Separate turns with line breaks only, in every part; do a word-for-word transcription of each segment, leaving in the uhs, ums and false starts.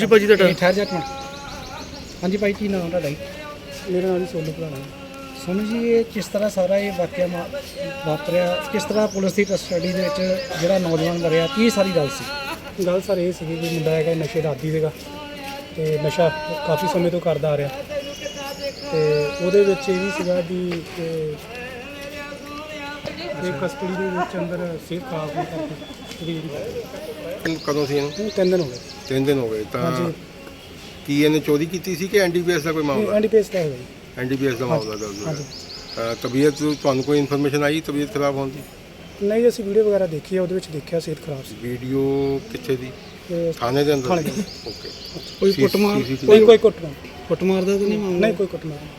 ਜੀ ਭਾਜੀ ਤੁਹਾਡਾ
ਠਹਿਰ ਜਾ ਮਿੰਟ। ਹਾਂਜੀ ਭਾਈ, ਕੀ ਨਾਮ ਤੁਹਾਡਾ ਜੀ? ਮੇਰਾ ਨਾਮ ਜੀ ਸੋਨੂ ਭਰਾਣਾ। ਸੋਨੂ ਜੀ, ਇਹ ਕਿਸ ਤਰ੍ਹਾਂ ਸਾਰਾ ਇਹ ਵਾਕਿਆ ਮਾ- ਵਾਪਰਿਆ, ਕਿਸ ਤਰ੍ਹਾਂ ਪੁਲਿਸ ਦੀ ਕਸਟਡੀ ਦੇ ਵਿੱਚ ਜਿਹੜਾ ਨੌਜਵਾਨ ਮਰਿਆ, ਕੀ ਸਾਰੀ ਗੱਲ ਸੀ?
ਗੱਲ ਸਰ ਇਹ ਸੀਗੀ ਕਿ ਮੁੰਡਾ ਹੈਗਾ ਨਸ਼ੇ ਦਾ ਆਦੀ ਸੀਗਾ ਅਤੇ ਨਸ਼ਾ ਕਾਫੀ ਸਮੇਂ ਤੋਂ ਕਰਦਾ ਆ ਰਿਹਾ, ਅਤੇ ਉਹਦੇ ਵਿੱਚ ਇਹ ਵੀ ਸੀਗਾ ਵੀ ਇਹ ਕਸਟਡੀ ਦੇ ਵਿੱਚ ਅੰਦਰ ਸਿਹਤ ਖਰਾਬ ਹੋਣ ਕਰਕੇ ਇਹਦੀ ਜਿਹੜੀ
ਕਦੋਂ ਸੀ ਇਹਨੂੰ?
ਇਹ ਤਿੰਨ ਦਿਨ ਹੋ ਗਏ।
ਤਿੰਨ ਦਿਨ ਹੋ ਗਏ ਤਾਂ
ਹਾਂਜੀ,
ਕੀ ਇਹਨੇ ਚੋਰੀ ਕੀਤੀ ਸੀ ਕਿ ਐਨ ਡੀ ਪੀ ਐਸ ਦਾ ਕੋਈ ਮਾਮਲਾ?
ਐਨ ਡੀ ਪੀ ਐਸ ਦਾ ਹੈਗਾ ਜੀ।
ਐਨ ਡੀ ਪੀ ਐਸ ਦਾ ਮਾਮਲਾ ਦਰਜ ਹੋਇਆ।
ਹਾਂਜੀ।
ਅ, ਤਬੀਅਤ ਤੁਹਾਨੂੰ ਕੋਈ ਇਨਫੋਰਮੇਸ਼ਨ ਆਈ ਤਬੀਅਤ ਖਰਾਬ ਹੋਣ ਦੀ?
ਨਹੀਂ, ਅਸੀਂ ਵੀਡੀਓ ਵਗੈਰਾ ਦੇਖੀ ਆ, ਉਹਦੇ ਵਿੱਚ ਦੇਖਿਆ ਸਿਹਤ ਖਰਾਬ ਸੀ।
ਵੀਡੀਓ ਕਿੱਥੇ ਦੀ?
ਤੇ
ਥਾਣੇ ਦੇ ਅੰਦਰ?
ਥਾਣੇ ਦੇ।
ਓਕੇ।
ਕੋਈ
ਸੀ-
ਕੁੱਟਮਾਰ
ਸੀ- ਸੀ-
ਕੋਈ ਕੋਈ ਕੁੱਟਮਾਰ
ਕੁੱਟਮਾਰ ਦਾ ਤਾਂ ਨਹੀਂ ਮਾਮਲਾ?
ਨਹੀਂ, ਕੋਈ ਕੁੱਟਮਾਰ ਨਹੀਂ।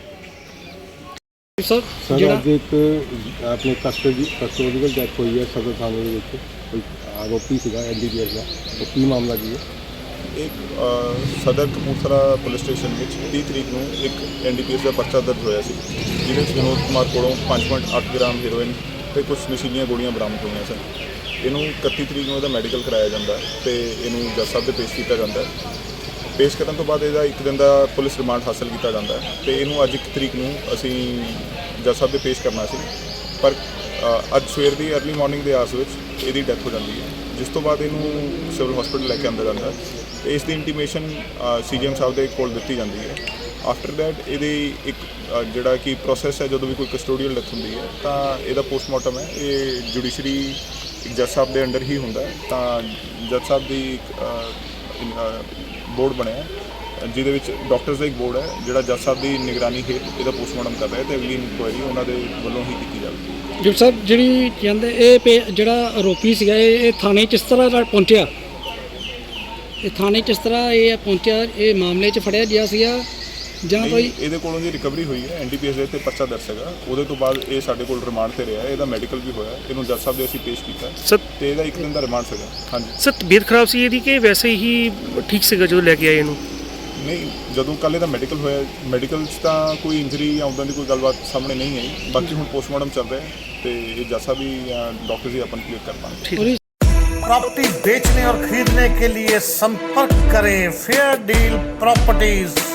ਸਰ
ਸਰ
ਜਿਹੜਾ
ਅੱਜ ਇੱਕ ਆਪਣੇ ਕਸਟਡੀ ਕਸਟੋਡੀਅਲ ਡੈਥ ਹੋਈ ਹੈ ਸਦਰ ਥਾਣੇ ਦੇ ਵਿੱਚ, ਕੋਈ ਆਰੋਪੀ ਸੀਗਾ ਐਨ ਡੀ ਪੀ ਐਸ ਦਾ, ਉਹ ਕੀ ਮਾਮਲਾ ਕੀ ਹੈ?
ਇੱਕ ਅ, ਸਦਰ ਕਪੂਰਥਲਾ ਪੁਲਿਸ ਸਟੇਸ਼ਨ ਵਿੱਚ ਤੀਹ ਤਰੀਕ ਨੂੰ ਇੱਕ ਐਨ ਡੀ ਪੀ ਐਸ ਦਾ ਪਰਚਾ ਦਰਜ ਹੋਇਆ ਸੀ, ਜਿਹਦੇ ਵਿੱਚ ਵਿਨੋਦ ਕੁਮਾਰ ਕੋਲੋਂ ਪੰਜ ਪੁਆਇੰਟ ਅੱਠ ਗ੍ਰਾਮ ਹੈਰੋਇਨ ਅਤੇ ਕੁਝ ਨਸ਼ੀਲੀਆਂ ਗੋਲੀਆਂ ਬਰਾਮਦ ਹੋਈਆਂ ਸਨ। ਇਹਨੂੰ ਇਕੱਤੀ ਤਰੀਕ ਨੂੰ ਇਹਦਾ ਮੈਡੀਕਲ ਕਰਾਇਆ ਜਾਂਦਾ ਅਤੇ ਇਹਨੂੰ ਜੱਜ ਸਾਹਿਬ ਦੇ ਪੇਸ਼ ਕੀਤਾ ਜਾਂਦਾ। ਪੇਸ਼ ਕਰਨ ਤੋਂ ਬਾਅਦ ਇਹਦਾ ਇੱਕ ਦਿਨ ਦਾ ਪੁਲਿਸ ਰਿਮਾਂਡ ਹਾਸਲ ਕੀਤਾ ਜਾਂਦਾ ਅਤੇ ਇਹਨੂੰ ਅੱਜ ਇੱਕ ਤਰੀਕ ਨੂੰ ਅਸੀਂ ਜੱਜ ਸਾਹਿਬ ਦੇ ਪੇਸ਼ ਕਰਨਾ ਸੀ, ਪਰ ਅ, ਅੱਜ ਸਵੇਰ ਦੀ ਅਰਲੀ ਮਾਰਨਿੰਗ ਦੇ ਆਸ ਵਿੱਚ ਇਹਦੀ ਡੈਥ ਹੋ ਜਾਂਦੀ ਹੈ, ਜਿਸ ਤੋਂ ਬਾਅਦ ਇਹਨੂੰ ਸਿਵਲ ਹਸਪੀਟਲ ਲੈ ਕੇ ਆਂਦਾ ਜਾਂਦਾ ਅਤੇ ਇਸ ਦੀ ਇੰਟੀਮੇਸ਼ਨ ਸੀ ਜੀ ਐਮ ਸਾਹਿਬ ਦੇ ਕੋਲ ਦਿੱਤੀ ਜਾਂਦੀ ਹੈ। ਆਫਟਰ ਦੈਟ ਇਹਦੀ ਇੱਕ ਅ, ਜਿਹੜਾ ਕਿ ਪ੍ਰੋਸੈਸ ਹੈ, ਜਦੋਂ ਵੀ ਕੋਈ ਕਸਟੋਡੀਅਲ ਡੈਥ ਹੁੰਦੀ ਹੈ ਤਾਂ ਇਹਦਾ ਪੋਸਟਮਾਰਟਮ ਹੈ, ਇਹ ਜੁਡੀਸ਼ਰੀ ਇੱਕ ਜੱਜ ਸਾਹਿਬ ਦੇ ਅੰਡਰ ਹੀ ਹੁੰਦਾ ਹੈ। ਤਾਂ ਜੱਜ ਸਾਹਿਬ ਦੀ ਇੱਕ ਬੋਰਡ ਬਣਿਆ, ਜਿਹਦੇ ਵਿੱਚ ਡਾਕਟਰਸ ਦਾ ਇੱਕ ਬੋਰਡ ਹੈ ਜਿਹੜਾ ਜੱਜ ਸਾਹਿਬ ਦੀ ਨਿਗਰਾਨੀ ਹੇਠ ਇਹਦਾ ਪੋਸਟਮਾਰਟਮ ਕਰ ਰਿਹਾ ਅਤੇ ਅਗਲੀ ਇਨਕੁਆਇਰੀ ਉਹਨਾਂ ਦੇ ਵੱਲੋਂ ਹੀ ਕੀਤੀ ਜਾਵੇਗੀ।
ਜੀ ਸਾਹਿਬ, ਜਿਹੜੀ ਕਹਿੰਦੇ ਇਹ ਪੇ- ਜਿਹੜਾ ਆਰੋਪੀ ਸੀਗਾ ਇਹ ਇਹ ਥਾਣੇ 'ਚ ਕਿਸ ਤਰ੍ਹਾਂ ਨਾਲ ਪਹੁੰਚਿਆ? ਇਹ ਥਾਣੇ 'ਚ ਕਿਸ ਤਰ੍ਹਾਂ ਇਹ ਪਹੁੰਚਿਆ? ਇਹ ਮਾਮਲੇ 'ਚ ਫੜਿਆ ਗਿਆ ਸੀਗਾ ਜਾਂ
ਨਹੀਂ,
ਕੋਈ?
ਇਹਦੇ ਕੋਲੋਂ ਜੀ ਰਿਕਵਰੀ ਹੋਈ ਹੈ, ਐਨ ਡੀ ਪੀ ਐਸ ਦੇ ਉੱਤੇ ਪਰਚਾ ਦਰਜ ਹੈਗਾ, ਉਹਦੇ ਤੋਂ ਬਾਅਦ ਇਹ ਸਾਡੇ ਕੋਲ ਰਿਮਾਂਡ ਤੇ ਰਿਹਾ, ਇਹਦਾ ਮੈਡੀਕਲ ਵੀ ਹੋਇਆ, ਇਹਨੂੰ ਜੱਜ ਸਾਹਿਬ ਦੇ ਅਸੀਂ ਪੇਸ਼ ਕੀਤਾ
ਸਰ
ਤੇ ਇਹਦਾ ਇੱਕ ਦਿਨ ਦਾ ਰਿਮਾਂਡ ਸੀਗਾ। ਹਾਂਜੀ।
ਸਰ ਤਬੀਅਤ ਖਰਾਬ ਸੀ ਇਹਦੀ ਕਿ ਵੈਸੇ ਹੀ ਠੀਕ ਸੀਗਾ ਜਦੋਂ ਲੈ ਕੇ ਆਏ ਇਹਨੂੰ?
ਨਹੀਂ, ਜਦੋਂ ਕੱਲ੍ਹ ਇਹਦਾ ਮੈਡੀਕਲ ਹੋਇਆ, ਮੈਡੀਕਲ 'ਚ ਤਾਂ ਕੋਈ ਇੰਜਰੀ ਜਾਂ ਉੱਦਾਂ ਦੀ ਕੋਈ ਗੱਲਬਾਤ ਸਾਹਮਣੇ ਨਹੀਂ ਆਈ, ਬਾਕੀ ਹੁਣ ਪੋਸਟਮਾਰਟਮ ਚੱਲ ਰਿਹਾ ਹੈ ਤੇ ਇਹ ਜੱਜ ਸਾਹਿਬ ਵੀ ਡਾਕਟਰ ਜੀ अपन क्लियर कर पाएंगे।
प्रॉपर्टी बेचने और खरीदने के लिए संपर्क करें फेयर डील प्रॉपर्टीज।